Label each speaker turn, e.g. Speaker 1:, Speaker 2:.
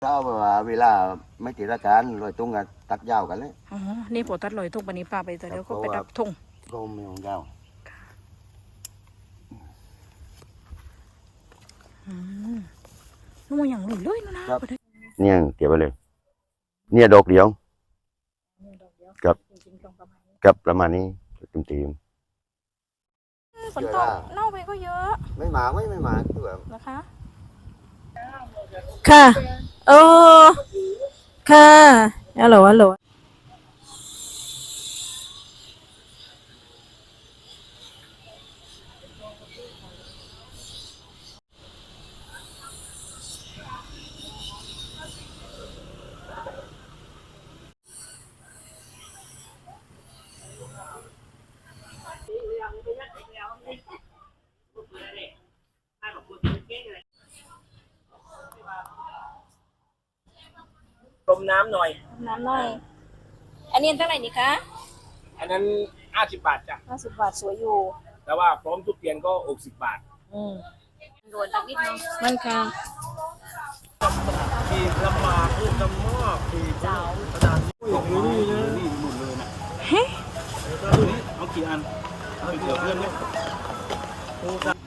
Speaker 1: ถ้าว่าเวลาไม่ติดราการลอยตุ้งกันตัดยาวกันเลย
Speaker 2: อ๋อนี่ปวดตัดลอยทุ่งปนี้ป้าไปแต่เดี๋ยวก็ไปดับทุ่ง
Speaker 1: ก็ไม่ของยาว
Speaker 2: นู่นอย่างหลุยเลยนะ
Speaker 1: เนี่ยเก็บไปเลยเนี่ยดอกเดียวกับประมาณนี้ตีม
Speaker 2: ฝนตกเน่าไปก็เยอะ
Speaker 1: ไม่หมาคือแบบ
Speaker 2: นะคะค่ะโอ้ค่ะฮัลโหล
Speaker 3: ต้มน้ำหน่อย
Speaker 2: อันนี้เท่าไหร่นี่คะ
Speaker 3: อันนั้น50 บาทจ้ะ
Speaker 2: 50 บาทสวยอยู่
Speaker 3: แต่ว่าพร้อมทุกเตียนก็60 บาท
Speaker 2: โดนตักนิดนึงมันค่ะ
Speaker 3: ที่ลำบากพูดลำมากที่เจ้าขนาดนี่หมดเลยนะเฮ้ยเอากี่อันเอาเดี๋ยวเพื่อนเนี่ย